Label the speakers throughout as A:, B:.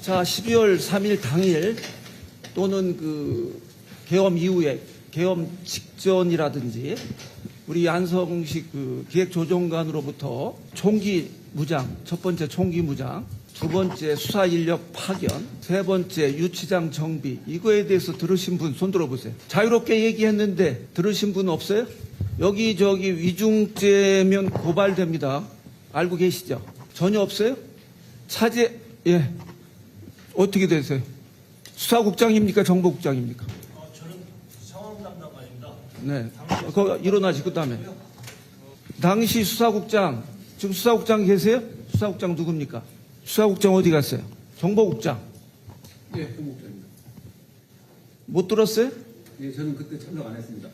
A: 자, 12월 3일 당일 또는 그 계엄 이후에 계엄 직전이라든지 우리 안성식 그 기획조정관으로부터 총기 무장, 첫 번째 총기 무장, 두 번째 수사 인력 파견, 세 번째 유치장 정비, 이거에 대해서 들으신 분 손 들어보세요. 자유롭게 얘기했는데 들으신 분 없어요? 여기저기 위중죄면 고발됩니다. 알고 계시죠? 전혀 없어요? 차제, 예. 어떻게 되세요? 수사국장입니까? 정보국장입니까?
B: 저는 상황 담당관입니다.
A: 네. 거기 일어나시고 그다음에 당시 수사국장, 지금 수사국장 계세요? 수사국장 누굽니까? 수사국장 어디 갔어요? 정보국장.
C: 예, 정보국장입니다.
A: 못 들었어요?
C: 예, 저는 그때 참석 안 했습니다.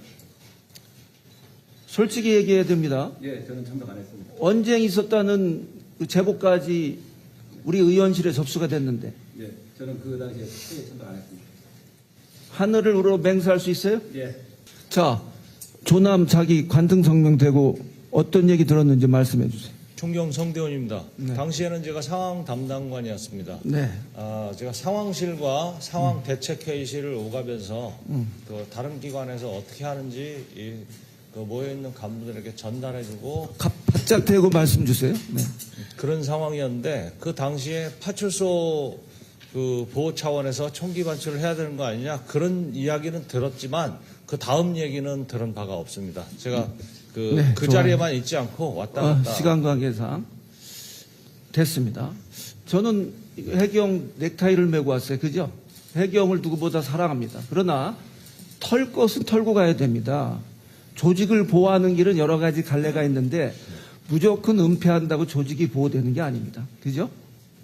A: 솔직히 얘기해야 됩니다.
C: 예, 저는 참석 안 했습니다.
A: 언쟁이 있었다는 그 제보까지 우리 의원실에 접수가 됐는데
C: 예, 저는 그 당시에 회의에 참석 안 했습니다.
A: 하늘을 우러 맹세할 수 있어요?
C: 예,
A: 자, 조남 자기 관등 성명되고 어떤 얘기 들었는지 말씀해 주세요.
B: 총경 성대원입니다.
A: 네.
B: 당시에는 제가 상황 담당관이었습니다.
A: 네.
B: 제가 상황실과 상황 대책회의실을 오가면서 그 다른 기관에서 어떻게 하는지 그 모여있는 간부들에게 전달해주고
A: 바짝 대고 말씀 주세요. 네.
B: 그런 상황이었는데 그 당시에 파출소 그 보호 차원에서 총기 반출을 해야 되는 거 아니냐 그런 이야기는 들었지만 그 다음 얘기는 들은 바가 없습니다. 제가
A: 네,
B: 그
A: 좋아요.
B: 자리에만 있지 않고 왔다 갔다
A: 시간 관계상 됐습니다. 저는 해경 넥타이를 메고 왔어요. 그죠? 해경을 누구보다 사랑합니다. 그러나 털 것은 털고 가야 됩니다. 조직을 보호하는 길은 여러 가지 갈래가 있는데 무조건 은폐한다고 조직이 보호되는 게 아닙니다. 그죠?